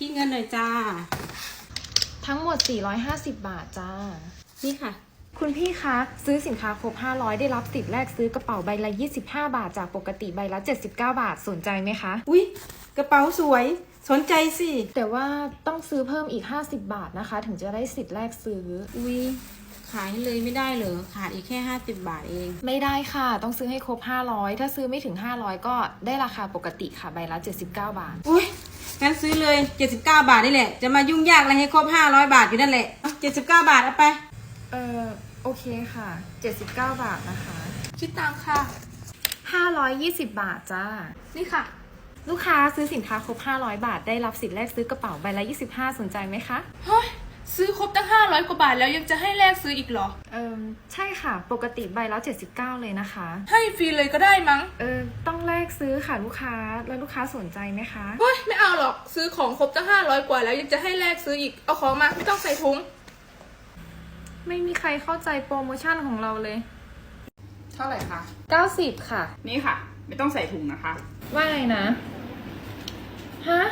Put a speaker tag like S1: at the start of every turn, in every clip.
S1: คิดเงินหน่อยจ้า
S2: ทั้งหมด450 บาทจ้า
S1: นี่ค่ะ
S2: คุณพี่คะซื้อสินค้าครบ500ได้รับสิทธิ์แรกซื้อกระเป๋าใบละ25 บาทจากปกติใบละ79 บาทสนใจไหมคะ
S1: อุ๊ยกระเป๋าสวยสนใจสิ
S2: แต่ว่าต้องซื้อเพิ่มอีก50 บาทนะคะถึงจะได้สิทธิ์แรกซื้อ
S1: อุ๊ยขายเลยไม่ได้เหรอขาดอีกแค่50 บาทเอง
S2: ไม่ได้ค่ะต้องซื้อให้ครบ500ถ้าซื้อไม่ถึง500ก็ได้ราคาปกติค่ะใบละ79 บาท
S1: อุ๊ยงั้นซื้อเลย79 บาทนี่แหละจะมายุ่งยากอะไรให้ครบ500 บาทอยู่นั่นแหละ79 บาทเอาไป
S2: โอเคค่ะ79 บาทนะคะ
S3: คิดตังค่ะ
S2: 520 บาทจ้า
S3: นี่ค่ะ
S2: ลูกค้าซื้อสินค้าครบ500 บาทได้รับสิทธิ์แรกซื้อกระเป๋าใบละ25สนใจไหมคะ
S3: เฮ้ยซื้อครบตั้ง500 กว่าบาทแล้วยังจะให้แลกซื้ออีกเหรอ
S2: ใช่ค่ะปกติใบละ79เลยนะคะ
S3: ให้ฟรีเลยก็ได้มั้ง
S2: ต้องแลกซื้อค่ะลูกค้าแล้วลูกค้าสนใจไหมคะ
S3: เฮ้ยไม่เอาหรอกซื้อของครบตั้ง500 กว่าแล้วยังจะให้แลกซื้ออีกเอาของมาไม่ต้องใส่ถุง
S2: ไม่มีใครเข้าใจโปรโมชั่นของเราเลย
S4: เท่าไหร่คะ
S2: 90ค่ะ
S4: นี่ค่ะไม่ต้องใส่ถุงนะคะ
S2: ว่าไงนะฮะ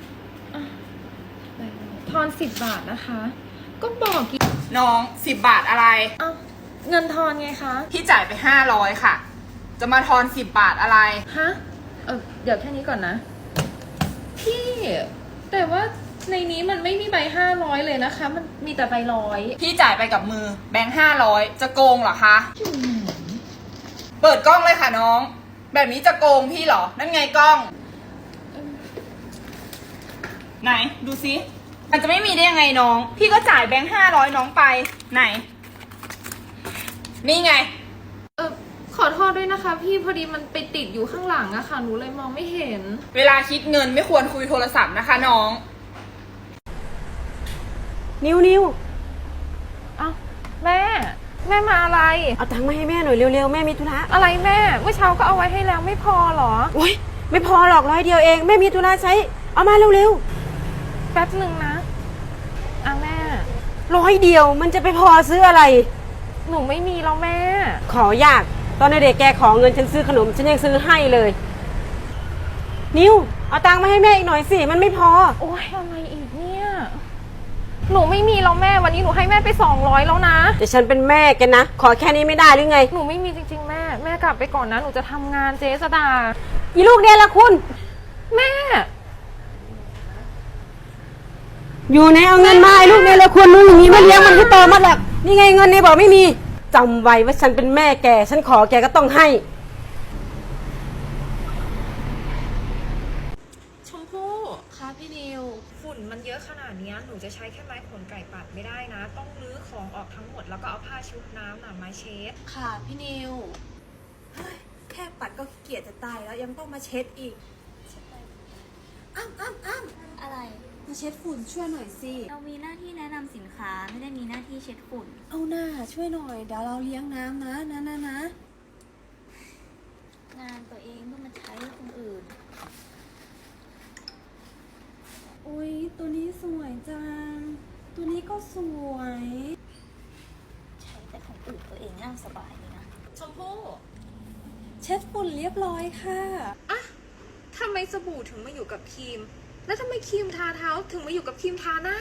S2: ทอน10 บาทนะคะก็บอกกี่
S4: น้อง10 บาทอะไร
S2: เงินทอนไงคะ
S4: พี่จ่ายไป500ค่ะจะมาทอน10 บาทอะไร
S2: ฮะเดี๋ยวแค่นี้ก่อนนะพี่แต่ว่าในนี้มันไม่มีใบ500เลยนะคะมันมีแต่ใบ100
S4: พี่จ่ายไปกับมือแบงค์500จะโกงเหรอคะเปิดกล้องเลยค่ะน้องแบบนี้จะโกงพี่เหรอนั่นไงกล้องไหนดูซิมันจะไม่มีได้ยังไงน้องพี่ก็จ่ายแบงค์500น้องไปไหนนี่ไง
S2: ขอโทษด้วยนะคะพี่พอดีมันไปติดอยู่ข้างหลังอะค่ะหนูเลยมองไม่เห็น
S4: เวลาคิดเงินไม่ควรคุยโทรศัพท์นะคะน้อง
S5: นิว
S2: แม่มาอะไร
S5: เอาตังค์มาให้แม่หน่อยเร็วๆแม่มีธุระ
S2: อะไรแม่เมื่อเช้าก็เอาไว้ให้แล้วไม่พอหรอ
S5: โอ๊ยไม่พอหรอก100 เดียวเองแม่มีธุระใช้เอามาเร็ว
S2: ๆแป๊บหนึ่งนะแม่
S5: 100 เดียวมันจะไปพอซื้ออะไร
S2: หนูไม่มีแล้วแม่
S5: ขอยากตอนเด็กแกขอเงินฉันซื้อขนมฉันยังซื้อให้เลยนิวเอาตังค์มาให้แม่อีกหน่อยสิมันไม่พอ
S2: โอ๊ยอะไรอีกเนี่ยหนูไม่มีแล้วแม่วันนี้หนูให้แม่ไป200แล้วนะ
S5: แต่ฉันเป็นแม่แกนะขอแค่นี้ไม่ได้หรือไง
S2: หนูไม่มีจริงๆแม่กลับไปก่อนนะหนูจะทำงานเจ๊สดา
S5: อีลูกเนี่ยละคุณ
S2: แม่
S5: อยู่ในเอาเงินมาไอ้ลูกเนี่ยละคุณมึงอย่างนี้มันเลี้ยงมันก็โตมาแล้วนี่ไงเงินเนี่ยบอกไม่มีจำไว้ว่าฉันเป็นแม่แกฉันขอแกก็ต้องให้
S2: ชมพู่ค่ะพี่นิวฝุ่นมันเยอะขนาดนี้หนูจะใช้แค่ไม้ขนไก่ปัดไม่ได้นะต้องรื้อของออกทั้งหมดแล้วก็เอาผ้าชุบน้ำมาเช็ด
S6: ค่ะพี่นิวแค่ปัดก็ขี้เกียจจะตายแล้วยังต้องมาเช็ดอีกอ้ำ
S7: อะไร
S6: มาเช็ดฝุ่นช่วยหน่อยสิ
S7: เรามีหน้าที่แนะนำสินค้าไม่ได้มีหน้าที่เช็ดฝุ่น
S6: เอาหน้าช่วยหน่อยเดี๋ยวเราเลี้ยงน้ำนะ
S7: งานตัวเองต้องมาใช้คนอื่น
S6: อุ๊ยตัวนี้สวยจังตัวนี้ก็สวย
S7: ใช้แต่ของอื่นตัวเองนั่งสบายเลยนะ
S2: ชมพู่
S6: เช็ดฝุ่นเรียบร้อยค่ะ
S2: ทำไมสบู่ถึงมาอยู่กับครีมแล้วทำไมครีมทาเท้าถึงมาอยู่กับครีมทาหน้า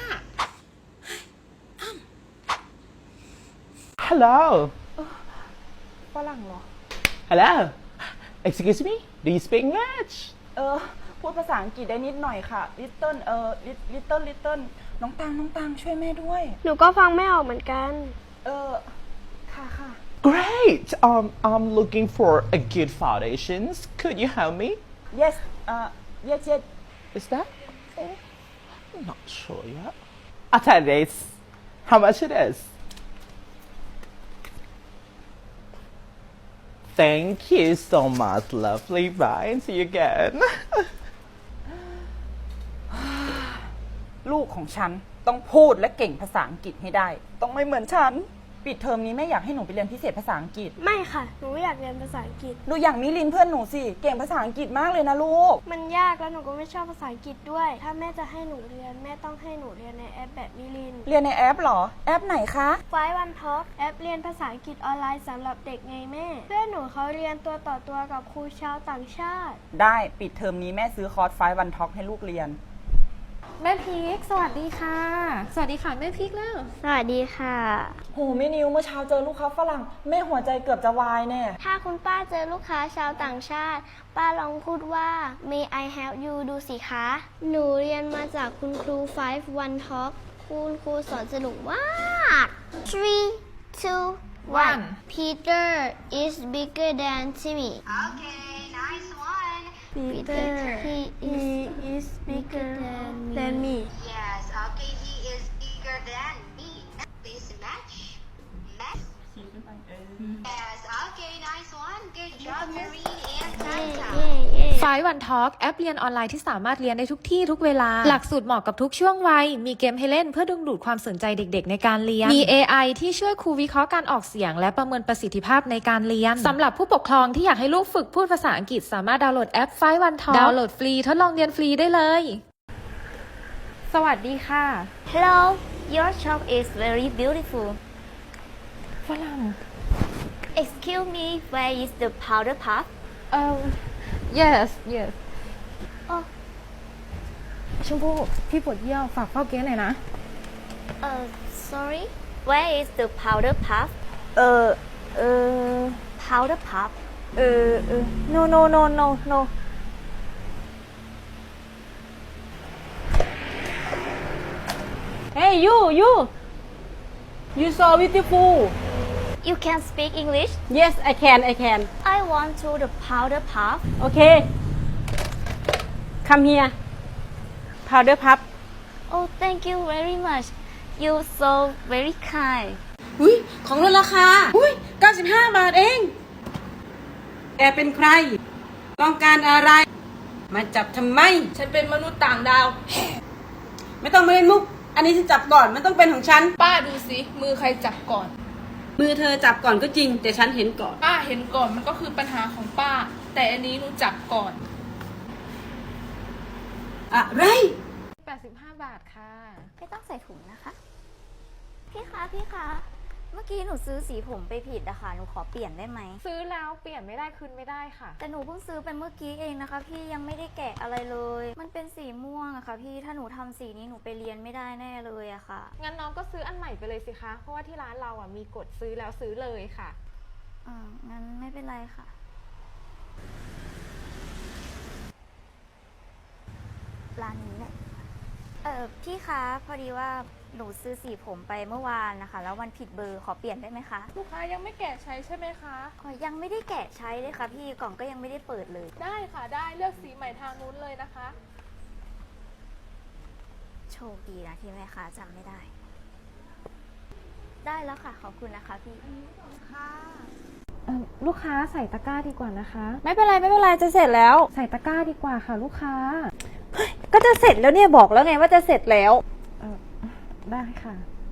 S8: Hello
S2: ฝรั่งเหรอ
S8: Hello Excuse me Do you speak English
S4: พูดภาษาอังกฤษได้นิดหน่อยค่ะ littleน้องตังช่วยแม่ด้วย
S9: หนูก็ฟังไม่ออกเหมือนกัน
S4: ค่ะ
S8: Great I'm looking for a good foundations Could you help me
S4: yes
S8: Is that I'm not sure yet I'll tell you this How much it is Thank you so much lovely bye and see you again
S4: ลูกของฉันต้องพูดและเก่งภาษาอังกฤษให้ได้ต้องไม่เหมือนฉันปิดเทอมนี้แม่อยากให้หนูไปเรียนพิเศษภาษาอังกฤษ
S9: ไม่ค่ะหนูไม่อยากเรียนภาษาอังกฤษ
S4: หนูอยากมิลินเพื่อนหนูสิเก่งภาษาอังกฤษมากเลยนะลูก
S9: มันยากแล้วหนูก็ไม่ชอบภาษาอังกฤษด้วยถ้าแม่จะให้หนูเรียนแม่ต้องให้หนูเรียนในแอปแบบมิลิน
S4: เรียนในแอปหรอแอปไหนคะ
S9: Five One Talk แอปเรียนภาษาอังกฤษออนไลน์สำหรับเด็กไงแม่เพื่อนหนูเขาเรียนตัวต่อตัวกับครูชาวต่างชาติ
S4: ได้ปิดเทอมนี้แม่ซื้อคอร์ส5 วันท็อกให้ลูกเรียน
S2: แม่พีคสวัสดีค่ะ สวัสดีค่ะแม่พีคแล้ว
S9: สวัสดีค่ะ
S4: โหแม่นิวเมื่อเช้าเจอลูกค้าฝรั่งแม่หัวใจเกือบจะวายแน่
S9: ถ้าคุณป้าเจอลูกค้าชาวต่างชาติ ป้าลองพูดว่า May I help you ดูสิคะ หนูเรียนมาจากคุณครู 5 One Talk คุณครูสอนสนุกมาก 3 2 1 Peter is bigger than Timmy
S6: Okay nice one
S9: Peter he is bigger than me
S6: Yes okay he is bigger than me Please match Yes okay nice one Good job Marine and Tata
S2: ไฟวันทอล์กแอปเรียนออนไลน์ที่สามารถเรียนได้ทุกที่ทุกเวลา หลักสูตรเหมาะกับทุกช่วงวัย มีเกมให้เล่นเพื่อดึงดูดความสนใจเด็กๆในการเรียน มี AI ที่ช่วยครูวิเคราะห์การออกเสียงและประเมินประสิทธิภาพในการเรียน สำหรับผู้ปกครองที่อยากให้ลูกฝึกพูดภาษาอังกฤษสามารถดาวน์โหลดแอปไฟวันทอล์กดาวน์โหลดฟรีทดลองเรียนฟรีได้เลย สวัสดีค่ะ
S7: Hello your shop is very beautiful
S2: ฝรั่ง
S7: Excuse me where is the powder puff
S2: yes
S7: อ๋อ
S2: ชมพู่พี่ปวดเยี่ยวฝากเฝ้าเก๊หน่อยนะ
S7: sorry where is the powder puff powder puff
S5: no Hey you so beautiful
S7: you can speak English
S5: Yes I can
S7: I want to the powder puff
S5: Okay Come here Powder puff
S7: oh thank you very much you so very kind
S1: อุ้ยของลดราคาอุ้ย95 บาทเองแกเป็นใคร ต้องการอะไร มาจับทำไม
S3: ฉันเป็นมนุษย์ต่างดาว
S1: ไม่ต้องมาเล่นมุก อันนี้ฉันจับก่อนมันต้องเป็นของฉัน
S3: ป้าดูสิมือใครจับก่อน
S1: มือเธอจับก่อนก็จริง แต่ฉันเห็นก่อน
S3: ป้าเห็นก่อนมันก็คือปัญหาของป้า แต่อันนี้หนูจับก่อน
S1: อะไร
S2: 85 บาทค่ะ
S7: ไม่ต้องใส่ถุงนะคะ พี่คะ เมื่อกี้หนูซื้อสีผมไปผิดอะค่ะ หนูขอเปลี่ยนได้ไหม
S2: ซื้อแล้วเปลี่ยนไม่ได้คืนไม่ได้ค่ะ
S7: แต่หนูเพิ่งซื้อไปเมื่อกี้เองนะคะ พี่ยังไม่ได้แกะอะไรเลย มันเป็นสีม่วงอะค่ะ พี่ ถ้าหนูทำสีนี้หนูไปเรียนไม่ได้แน่เลยอะค่ะ
S2: งั้นน้องก็ซื้ออันใหม่ไปเลยสิคะ เพราะว่าที่ร้านเราอ่ะมีกฎซื้อแล้วซื้อเลยค่ะ
S7: งั้นไม่เป็นไรค่ะ ร้านนี้แหละ พี่คะ พอดีว่าหนูซื้อสีผมไปเมื่อวานนะคะ แล้ววันผิดเบอร์ขอเปลี่ยนได้ไหมคะ
S3: ลูกค้ายังไม่แกะใช้ใช่ไหมคะ
S7: ยังไม่ได้แกะใช้เลยค่ะพี่ กล่องก็ยังไม่ได้เปิดเลย
S3: ได้ค่ะได้เลือกสีใหม่ทางนู้นเลยนะคะ
S7: โชคดีนะที่แม่ค้าจำไม่ได้ ได้แล้วค่ะ ขอบคุณนะคะพี่
S2: ลูกค้าใส่ตะกร้าดีกว่านะคะ
S5: ไม่เป็นไรจะเสร็จแล้ว
S2: ใส่ตะกร้าดีกว่าค่ะลูกค้า
S5: ก็จะเสร็จแล้วเนี่ยบอกแล้วไงว่าจะเสร็จแล้ว
S2: ได้ค่ะ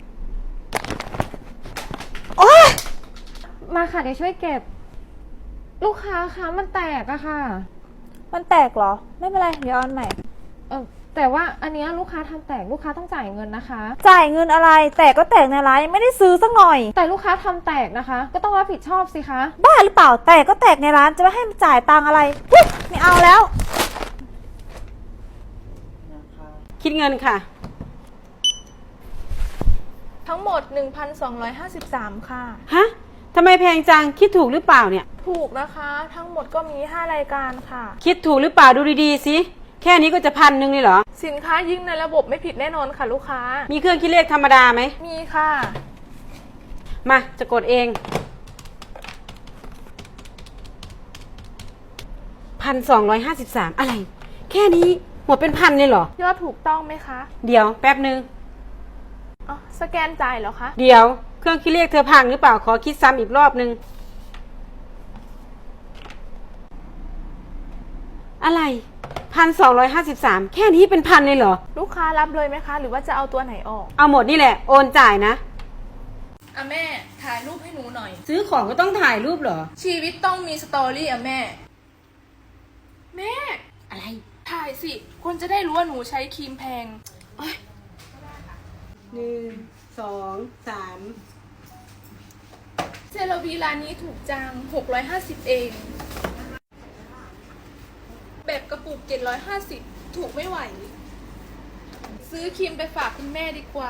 S5: โอ๊ย
S2: มาค่ะเดี๋ยวช่วยเก็บ ลูกค้าคะมันแตกอะค่ะ
S5: มันแตกเหรอ ไม่เป็นไรเดี๋ยวเอาอันใหม่
S2: แต่ว่าอันเนี้ยลูกค้าทำแตกลูกค้าต้องจ่ายเงินนะคะ
S5: จ่ายเงินอะไร แตกก็แตกในร้านยังไม่ได้ซื้อสักหน่อย
S2: แต่ลูกค้าทำแตกนะคะ ก็ต้องรับผิดชอบสิคะ
S5: บ้าหรือเปล่า แตกก็แตกในร้านจะไม่ให้มันจ่ายตังค์อะไรอุ๊ยไม่เอาแล้ว คิดเงินค่ะ
S3: ทั้งหมด 1,253 ค่ะ
S5: ฮะทำไมแพงจัง คิดถูกหรือเปล่าเนี่ย
S3: ถูกนะคะ ทั้งหมดก็มี 5 รายการค่ะ
S5: คิดถูกหรือเปล่าดูดีๆสิ แค่นี้ก็จะ1,000เลยเหรอ
S3: สินค้ายิ่งในระบบไม่ผิดแน่นอนค่ะลูกค้า
S5: มีเครื่องคิดเลขธรรมดาไหม
S3: มีค่ะ
S5: มาจะกดเอง 1,253 อะไร แค่นี้หมดเป็น1,000เลยเหรอ
S3: ยอดถูกต้องไหมคะ
S5: เดี๋ยวแป๊บนึง
S3: อ๋อสแกนจ่ายเหรอคะ
S5: เดี๋ยวเครื่องคิดเลขเธอพังหรือเปล่า ขอคิดซ้ำอีกรอบนึง อะไร 1,253 แค่นี้เป็น1,000เลยเหรอ
S3: ลูกค้ารับเลยไหมคะ หรือว่าจะเอาตัวไหนออก
S5: เอาหมดนี่แหละ โอนจ่ายนะ
S3: แม่ถ่ายรูปให้หนูหน่อย
S1: ซื้อของก็ต้องถ่ายรูปเหรอ
S3: ชีวิตต้องมีสตอรี่แม่ แม่
S1: อะไร
S3: ถ่ายสิ คนจะได้รู้ว่าหนูใช้ครีมแพง
S1: 1 2 3
S3: เซรวีร้านนี้ถูกจัง 650 เอง แบบกระปุก 750 ถูกไม่ไหวซื้อครีมไปฝากคุณแม่ดีกว่า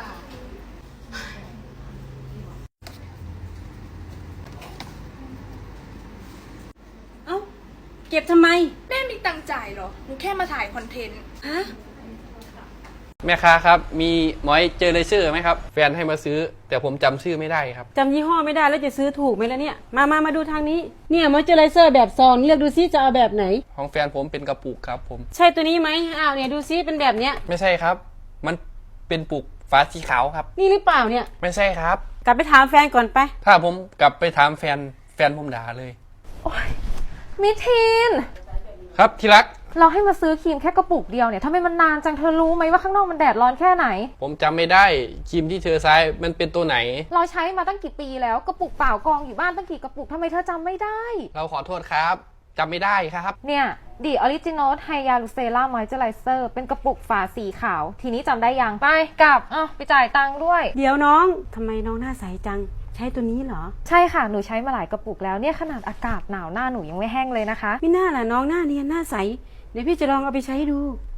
S1: เอ้า เก็บทำไม
S3: แม่มีตังค์จ่ายเหรอ หนูแค่มาถ่ายคอนเทนต์
S1: ฮะ
S10: แม่ค้าครับ มีมอยเจอร์เจอร์ไหมครับ แฟนให้มาซื้อ แต่ผมจำชื่อไม่ได้ครับ
S5: จำยี่ห้อไม่ได้แล้วจะซื้อถูกไหมล่ะเนี่ย มาดูทางนี้ เนี่ยมอยเจอไรเซอร์แบบซองเลือกดูซิจะเอาแบบไหน
S10: ของแฟนผมเป็นกระปุกครับผม
S5: ใช่ตัวนี้ไหมอ้าวเนี่ยดูซิเป็นแบบเนี้ย
S10: ไม่ใช่ครับ มันเป็นปุกฝาสีขาวครับ
S5: นี่หรือเปล่าเนี่ย
S10: ไม่ใช่ครับ
S5: กลับไปถามแฟนก่อนไป
S10: ถ้าผมกลับไปถามแฟนผมด่าเลย
S2: มิทีน
S10: ครับที่รัก
S2: เราให้มาซื้อครีมแค่กระปุกเดียวเนี่ยทำไมมันนานจังเธอรู้ไหมว่าข้างนอกมันแดดร้อนแค่ไหน
S10: ผมจำไม่ได้ครีมที่เธอใช้มันเป็นตัวไหน
S2: เราใช้มาตั้งกี่ปีแล้วกระปุกเปล่ากองอยู่บ้านตั้งกี่กระปุกทำไมเธอจำไม่ได้
S10: เราขอโทษครับจำไม่ได้ครับ
S2: เนี่ยดีออริจินอลไฮยาลูเซล่ามอยเจอไรเซอร์เป็นกระปุกฝาสีขาว ทีนี้จำได้ยังไปกลับไปจ่ายตังค์ด้วย
S5: เดี๋ยวน้องทำไมน้องหน้าใสจัง ใช้ตัวนี้เหรอ
S2: ใช่ค่ะหนูใช้มาหลายกระปุกแล้วเนี่ยขนาดอากาศหนาวหน้าหนูยังไม่แห้งเลยนะคะ
S5: ไม่น่าล่ะน้องหน้าเนียนหน้าใส เดี๋ยวพี่จะลองเอาไปใช้ดู